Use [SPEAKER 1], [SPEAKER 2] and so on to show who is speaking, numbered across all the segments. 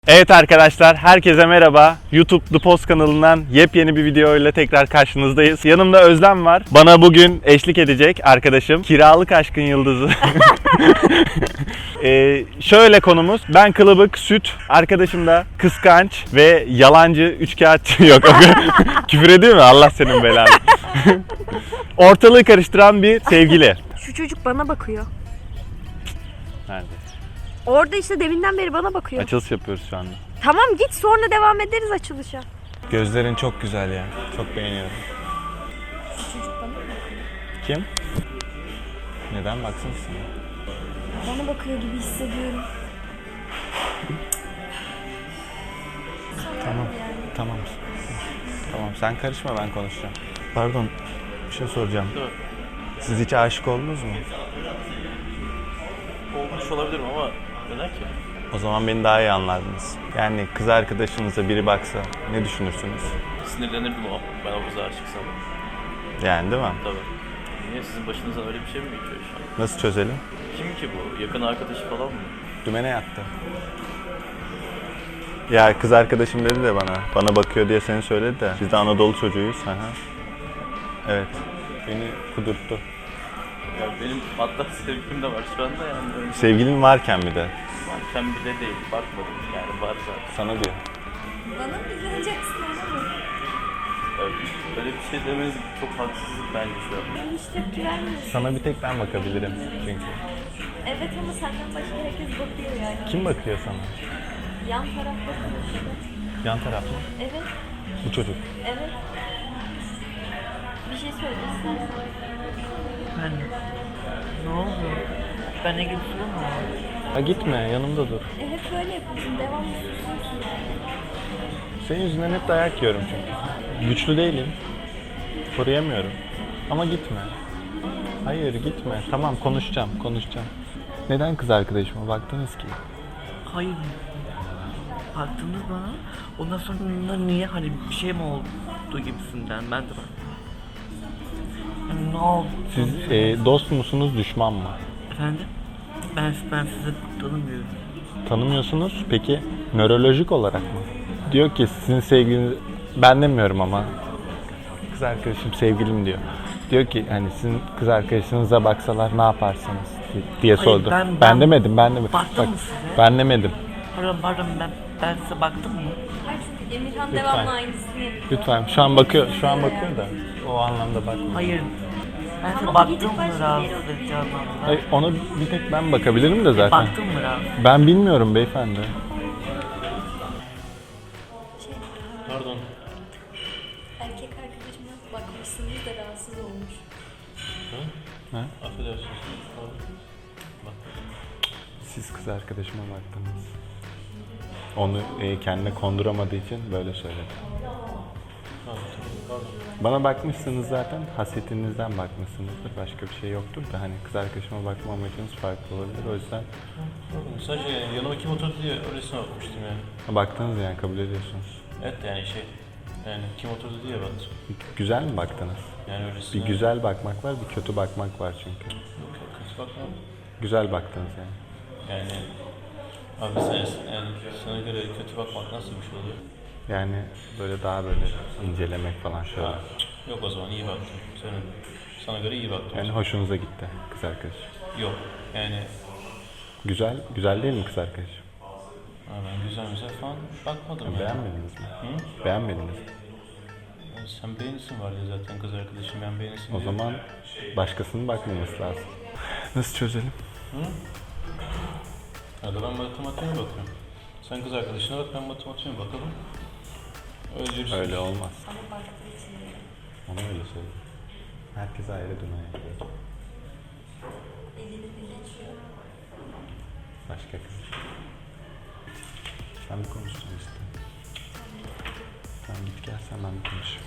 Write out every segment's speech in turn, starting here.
[SPEAKER 1] Evet arkadaşlar, herkese merhaba. YouTube The Post kanalından yepyeni bir video ile tekrar karşınızdayız. Yanımda Özlem var. Bana bugün eşlik edecek arkadaşım. Kiralık aşkın yıldızı. Şöyle konumuz, ben kılıbık, süt, arkadaşım da kıskanç ve yalancı, üçkağıtçı yok. Küfür ediyor mu? Allah senin belanı. Ortalığı karıştıran bir sevgili.
[SPEAKER 2] Şu çocuk bana bakıyor.
[SPEAKER 1] Nerede?
[SPEAKER 2] Orada işte deminden beri bana bakıyor.
[SPEAKER 1] Açılış yapıyoruz şu anda.
[SPEAKER 2] Tamam git sonra devam ederiz açılışa.
[SPEAKER 1] Gözlerin çok güzel ya. Çok beğeniyorum.
[SPEAKER 2] Şu çocuk bana bakıyor.
[SPEAKER 1] Kim? Neden baksın sana?
[SPEAKER 2] Bana bakıyor gibi hissediyorum.
[SPEAKER 1] Tamam. Tamam. Tamam sen karışma, ben konuşacağım. Pardon, bir şey soracağım. Siz hiç aşık oldunuz mu?
[SPEAKER 3] Olmuş olabilirim ama neden ki?
[SPEAKER 1] O zaman beni daha iyi anlardınız. Yani kız arkadaşınıza biri baksa ne düşünürsünüz?
[SPEAKER 3] Sinirlenirdim o. Ben o kıza aşıksam.
[SPEAKER 1] Yani değil mi?
[SPEAKER 3] Tabii. Niye sizin başınızdan öyle bir şey mi geçiyor şu an?
[SPEAKER 1] Nasıl çözelim?
[SPEAKER 3] Kim ki bu? Yakın arkadaşı falan mı?
[SPEAKER 1] Dümene yattı. Ya kız arkadaşım dedi de bana bakıyor diye seni söyledi de. Biz de Anadolu çocuğuyuz. Aha. Evet. Beni kudurttu.
[SPEAKER 3] Ya benim hatta sevgilim de var şu anda yani. Öyle
[SPEAKER 1] Sevgilin varken bir de.
[SPEAKER 3] varken bile değil. Bakmadım yani var zaten.
[SPEAKER 1] Sana diyor.
[SPEAKER 2] Bana mı izleneceksin ama mı?
[SPEAKER 3] Öyle bir şey demeniz çok haksızlık bence şu an.
[SPEAKER 2] Ben hiç tepki vermiyorsun.
[SPEAKER 1] Sana bir tek ben bakabilirim çünkü.
[SPEAKER 2] Evet ama senden başka herkes bakıyor yani.
[SPEAKER 1] Kim bakıyor sana?
[SPEAKER 2] Yan taraf bakıyor işte.
[SPEAKER 1] Yan taraf mı?
[SPEAKER 2] Evet,
[SPEAKER 1] Bu çocuk.
[SPEAKER 2] evet. Bir şey söyle istersen.
[SPEAKER 4] Ben ne oldu? Ben ne gibi sorun mu?
[SPEAKER 1] Ha gitme, yanımda dur.
[SPEAKER 2] Hep böyle yapıyorsun, devamlı susuyorsun.
[SPEAKER 1] Senin yüzünden hep dayak yiyorum çünkü. Güçlü değilim. Koruyamıyorum. Ama gitme. Hayır gitme. Tamam konuşacağım. Neden kız arkadaşıma baktınız ki?
[SPEAKER 4] Hayır. Baktınız bana. Ondan sonra niye hani bir şey mi oldu gibisinden ben de bak. Yani ne oldu?
[SPEAKER 1] Siz dost musunuz, düşman mı?
[SPEAKER 4] Efendim? Ben sizi tanımıyorum.
[SPEAKER 1] Tanımıyorsunuz. Peki nörolojik olarak mı? Diyor ki sizin sevgiliniz... Ben demiyorum ama. Kız arkadaşım sevgilim diyor. Diyor ki hani sizin kız arkadaşınıza baksalar ne yaparsınız diye
[SPEAKER 4] Hayır,
[SPEAKER 1] sordu.
[SPEAKER 4] ben
[SPEAKER 1] Ben demedim.
[SPEAKER 4] Baktın mı size?
[SPEAKER 1] Ben demedim.
[SPEAKER 4] Pardon ben size baktım mı?
[SPEAKER 2] Hayır çünkü Emirhan
[SPEAKER 1] Lütfen.
[SPEAKER 2] devamlı aynısını yapıyor.
[SPEAKER 1] Lütfen. Şu an bakıyor da o anlamda bakmıyor.
[SPEAKER 4] Hayır. Ben size
[SPEAKER 2] Ama
[SPEAKER 4] baktım
[SPEAKER 2] gidip
[SPEAKER 4] mı
[SPEAKER 2] başka
[SPEAKER 4] rahatsız
[SPEAKER 2] biri
[SPEAKER 4] edici anlamda?
[SPEAKER 1] Hayır, ona bir tek ben bakabilirim de zaten.
[SPEAKER 4] Baktım mı rahatsız?
[SPEAKER 1] Ben bilmiyorum beyefendi.
[SPEAKER 3] Pardon.
[SPEAKER 2] Erkek arkadaşıma bakmışsınız da rahatsız olmuş.
[SPEAKER 3] Affedersiniz.
[SPEAKER 1] Siz kız arkadaşıma baktınız. Onu kendine konduramadığı için böyle söyledi. Bana bakmışsınız zaten, hasetinizden bakmışsınızdır. Başka bir şey yoktur da hani kız arkadaşıma bakma amacınız farklı olabilir. O yüzden
[SPEAKER 3] Sadece yani yanıma kim oturdu diye öylesine bakmıştım yani.
[SPEAKER 1] baktınız yani kabul ediyorsunuz.
[SPEAKER 3] Evet yani yani kim oturdu diye baktım.
[SPEAKER 1] Güzel mi baktınız?
[SPEAKER 3] Yani öylesine.
[SPEAKER 1] Bir güzel bakmak var, bir kötü bakmak var çünkü.
[SPEAKER 3] Yok, kötü bakma.
[SPEAKER 1] Güzel baktınız yani.
[SPEAKER 3] Yani abi yani sana göre kötü bakmak nasıl bir şey oluyor?
[SPEAKER 1] Yani böyle daha böyle incelemek falan şöyle.
[SPEAKER 3] Yok o zaman iyi baktım. Sana göre iyi baktım.
[SPEAKER 1] Yani hoşunuza gitti kız arkadaş.
[SPEAKER 3] Yok yani
[SPEAKER 1] Güzel değil mi kız arkadaş?
[SPEAKER 3] ben güzel falan bakmadım yani.
[SPEAKER 1] Beğenmediniz mi?
[SPEAKER 3] Hı?
[SPEAKER 1] Beğenmediniz mi?
[SPEAKER 3] Yani sen beğenisin var ya zaten kız arkadaşım ben beğenisin
[SPEAKER 1] O
[SPEAKER 3] diye.
[SPEAKER 1] zaman başkasının bakmaması lazım. Nasıl çözelim?
[SPEAKER 3] Ya da ben matematiğe bakıyorum. Sen kız arkadaşına bak ben matematiğe bakalım. Öyle
[SPEAKER 1] Öyle olmaz.
[SPEAKER 2] Ama baktığı için değil.
[SPEAKER 1] Ona öyle söyle. Herkes ayrı dünyaya gidiyor.
[SPEAKER 2] Elini bir geçiyor.
[SPEAKER 1] Başka kız. Sen bir konuşsun işte. Sen git gel sen ben bir konuşayım.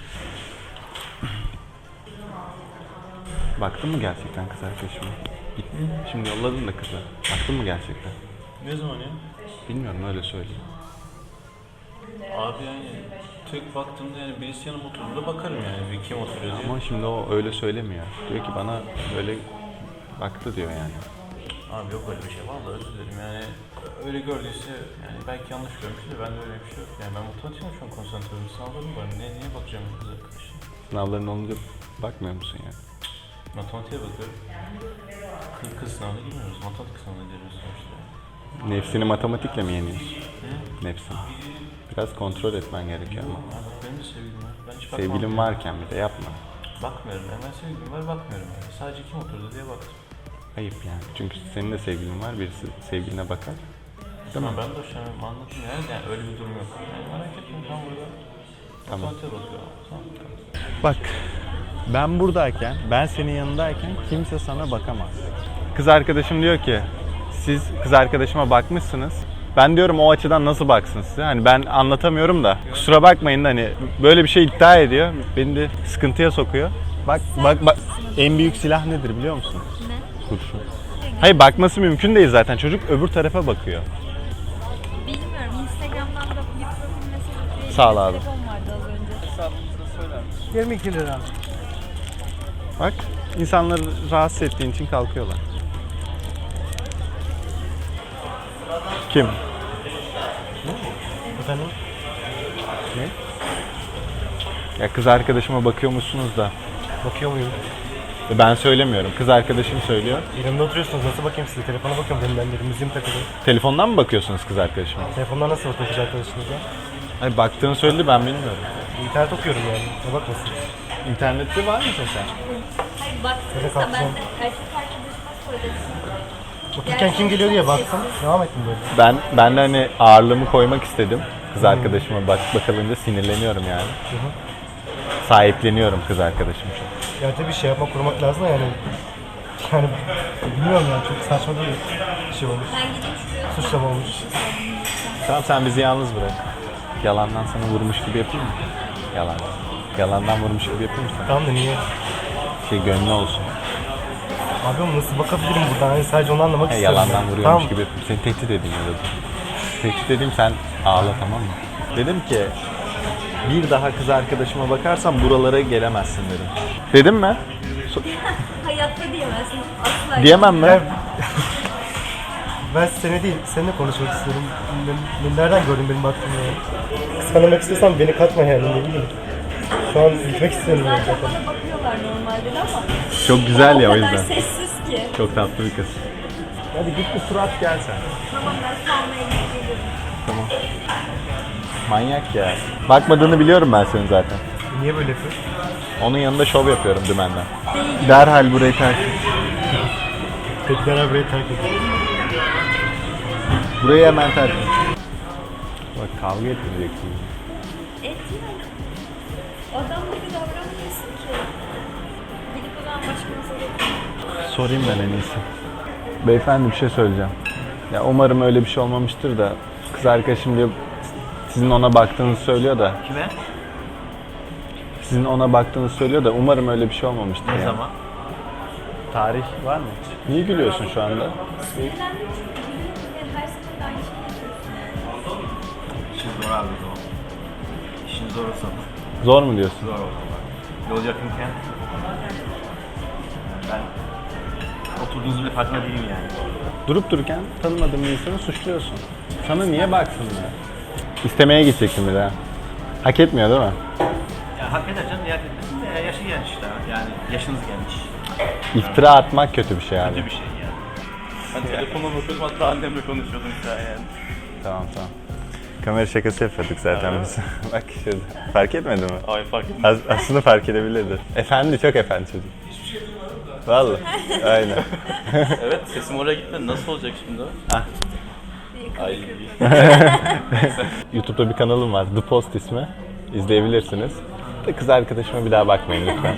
[SPEAKER 1] Baktın mı gerçekten kız arkadaşıma? Gittin. Şimdi yolladın da kızı. Baktın mı gerçekten?
[SPEAKER 3] Ne zaman ya?
[SPEAKER 1] Bilmiyorum öyle söyleyeyim.
[SPEAKER 3] Abi yani tek baktığımda yani birisi yanıma oturduğunda bakarım yani bir kim oturuyor diye.
[SPEAKER 1] Ama şimdi o öyle söylemiyor. Diyor ki bana böyle baktı diyor yani.
[SPEAKER 3] Abi yok öyle bir şey. Vallahi özür dilerim yani. Öyle gördüyse yani belki yanlış görmüştür de bende öyle bir şey yok. Yani ben matematiğe şu an konsantre oluyorum. Sınavlarım var. Niye bakacağım kız arkadaşım?
[SPEAKER 1] Sınavların olunca bakmıyor musun yani?
[SPEAKER 3] Matematiğe bakıyorum. Kız sınavına girmiyoruz. Matematik sınavına giriyoruz sonuçta.
[SPEAKER 1] Nefsini matematikle mi yeniyorsun?
[SPEAKER 3] He?
[SPEAKER 1] Nefsini. Biraz kontrol etmen gerekiyor ama.
[SPEAKER 3] Abi benim de sevgilim var. Ben hiç bakmam.
[SPEAKER 1] Sevgilin varken bir de yapma.
[SPEAKER 3] Bakmıyorum. Hemen sevgilim var bakmıyorum. Yani. Sadece kim oturdu diye baktım.
[SPEAKER 1] Ayıp yani. Çünkü senin de sevgilin var. Birisi sevgiline bakar. Değil mi?
[SPEAKER 3] Ama ben de hoşlanıyorum. Anladım yani öyle bir durum yok. Yani merak etme tam burada.
[SPEAKER 1] Tamam.
[SPEAKER 3] Matematiğe bakıyorum. Tamam.
[SPEAKER 1] Bak, ben buradayken, ben senin yanındayken kimse sana bakamaz. Kız arkadaşım diyor ki, siz kız arkadaşıma bakmışsınız. Ben diyorum o açıdan nasıl baksın size? Hani ben anlatamıyorum da. Kusura bakmayın da hani böyle bir şey iddia ediyor. Beni de sıkıntıya sokuyor. Bak. En büyük silah nedir biliyor musun?
[SPEAKER 2] Ne?
[SPEAKER 1] Kurşun. Hayır bakması mümkün değil zaten. Çocuk öbür tarafa bakıyor.
[SPEAKER 2] Bilmiyorum. Instagram'dan da bir profil mesajı
[SPEAKER 1] Sağ ol abi.
[SPEAKER 2] telefon vardı az önce.
[SPEAKER 3] Hesabımızı söyler misin?
[SPEAKER 5] 22 lira.
[SPEAKER 1] Bak, insanları rahatsız ettiğin için kalkıyorlar. Kim?
[SPEAKER 5] Efendim?
[SPEAKER 1] Ne? Ya kız arkadaşıma bakıyormuşsunuz da.
[SPEAKER 5] Bakıyor muyum?
[SPEAKER 1] Ben söylemiyorum. Kız arkadaşım söylüyor.
[SPEAKER 5] Yanımda oturuyorsunuz. Nasıl bakayım size? Telefona bakıyorum dedim ben de. Müziğim takılı.
[SPEAKER 1] Telefondan mı bakıyorsunuz kız arkadaşıma?
[SPEAKER 5] Telefondan nasıl bakıyor kız arkadaşınızla?
[SPEAKER 1] Hayır baktığını söyledi ben bilmiyorum.
[SPEAKER 5] İnternet okuyorum yani. Ne bakmasın?
[SPEAKER 1] İnternette var mısın sen?
[SPEAKER 2] Hayır baktığınızda ben de erkek arkadaşıma söyledim.
[SPEAKER 5] Otururken kim geliyor diye baktım. Devam ettim böyle.
[SPEAKER 1] Ben de hani ağırlığımı koymak istedim. Kız arkadaşıma bakılınca sinirleniyorum yani. Sahipleniyorum kız arkadaşım çok.
[SPEAKER 5] Ya tabii şey yapmak, kurmak lazım da yani. Yani bilmiyorum yani çok saçma değil. Bir şey olmuş.
[SPEAKER 2] Ben gidip şuraya
[SPEAKER 5] Suçlama olmuş.
[SPEAKER 1] Tamam sen bizi yalnız bırak. Yalandan sana vurmuş gibi yapayım mı? Yalan. Yalandan vurmuş gibi yapayım mı sana?
[SPEAKER 5] Tamam da niye?
[SPEAKER 1] Şey gönlü olsun.
[SPEAKER 5] Abi ama nasıl bakabilirim buradan? Hani sadece onu anlamak istiyorum.
[SPEAKER 1] Yalandan
[SPEAKER 5] yani.
[SPEAKER 1] vuruyormuş
[SPEAKER 5] Tamam.
[SPEAKER 1] gibi yapayım. Seni tehdit edeyim ya da. Tehdit edeyim sen ağla tamam mı? Dedim ki bir daha kız arkadaşıma bakarsam buralara gelemezsin dedim. Dedim mi?
[SPEAKER 2] hayatta diyemezsin. Asla.
[SPEAKER 1] Diyemem mi?
[SPEAKER 5] Ben seni değil, seninle konuşmak istiyorum. Nereden gördün benim baktığımı yani? Kıskanmak istiyorsan beni katma yani ne bileyim. Şu an gitmek istiyorum yani
[SPEAKER 2] Zaten
[SPEAKER 5] zaten.
[SPEAKER 2] bana bakıyorlar normalde ama
[SPEAKER 1] Çok güzel ya o
[SPEAKER 2] o kadar
[SPEAKER 1] yüzden.
[SPEAKER 2] sessiz ki.
[SPEAKER 1] Çok tatlı bir kız. Hadi git bir surat gel sen.
[SPEAKER 2] Tamam ben kalmaya gelirim.
[SPEAKER 1] Tamam. Manyak ya. Bakmadığını biliyorum ben senin zaten.
[SPEAKER 5] Niye böyle yapıyorsun?
[SPEAKER 1] Onun yanında şov yapıyorum dümenden. Derhal burayı terk et.
[SPEAKER 5] Tepkiler burayı terk ediyor.
[SPEAKER 1] Burayı hemen terk et. Bak kavga etmeyeceksin.
[SPEAKER 2] Et yani. Adam gibi davranmıyorsun ki. Gidip o zaman başımıza bakın.
[SPEAKER 1] Sorayım ben en iyisi. Beyefendi bir şey söyleyeceğim. Ya umarım öyle bir şey olmamıştır da kız arkadaşım diyor sizin ona baktığınızı söylüyor da
[SPEAKER 3] Kime?
[SPEAKER 1] sizin ona baktığınızı söylüyor da umarım öyle bir şey olmamıştır
[SPEAKER 3] Ne
[SPEAKER 1] ya.
[SPEAKER 3] zaman?
[SPEAKER 1] Tarih var mı? Niye gülüyorsun şu anda?
[SPEAKER 2] Sinirlendim çünkü gülüyorum ve her seferinde aynı şeyi yapıyorsun yani.
[SPEAKER 3] İşin zor abi o zaman. İşin zor olsa
[SPEAKER 1] Zor mu diyorsun?
[SPEAKER 3] zor olsa. Yol yakınken ben oturduğunuz bile farkında değilim yani.
[SPEAKER 1] Durup dururken tanımadığın bir insanı suçluyorsun. Sana niye baksınlar? İstemeye gidecektim bir daha. Hak etmiyor değil mi?
[SPEAKER 3] Ya hak eder canım, niyet etmesin de yaşı gelmiş işte. Yani yaşınız gelmiş.
[SPEAKER 1] İftira atmak kötü bir şey abi.
[SPEAKER 3] Kötü bir şey yani. Ben telefonla bakıyordum, hatta annemle konuşuyordum şu an yani.
[SPEAKER 1] Tamam. Kamera şakası yapıyorduk zaten biz. Bak şurada. Fark etmedi mi?
[SPEAKER 3] Ay fark ettim.
[SPEAKER 1] Aslında fark edebilirdi. Efendi, çok efendi çocuk. Hiçbir şey duymadım da. Vallahi. Aynen.
[SPEAKER 3] Evet, sesim oraya gitmedi. Nasıl olacak şimdi o? Ay.
[SPEAKER 1] YouTube'da bir kanalım var. The Post ismi. İzleyebilirsiniz. Da kız arkadaşıma bir daha bakmayın lütfen.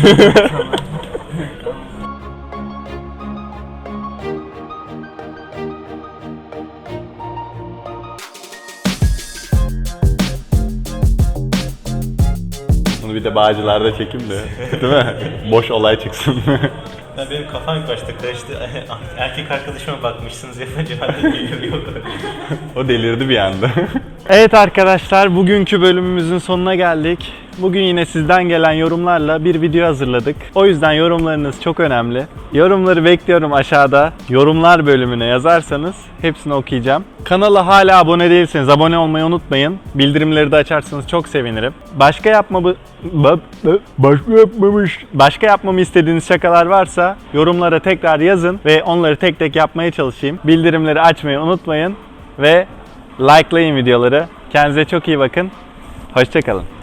[SPEAKER 1] Bunu bir de Bağcılar'da çekeyim de. Değil mi? Boş olay çıksın.
[SPEAKER 3] Ya benim kafam karıştı. Erkek arkadaşıma bakmışsınız yapınca ben de yok.
[SPEAKER 1] O delirdi bir anda. Evet arkadaşlar, bugünkü bölümümüzün sonuna geldik. Bugün yine sizden gelen yorumlarla bir video hazırladık. O yüzden yorumlarınız çok önemli. Yorumları bekliyorum aşağıda. Yorumlar bölümüne yazarsanız hepsini okuyacağım. Kanala hala abone değilseniz abone olmayı unutmayın. Bildirimleri de açarsanız çok sevinirim. Başka yapmamı istediğiniz şakalar varsa yorumlara tekrar yazın ve onları tek tek yapmaya çalışayım. Bildirimleri açmayı unutmayın ve likelayın videoları. Kendinize çok iyi bakın. Hoşça kalın.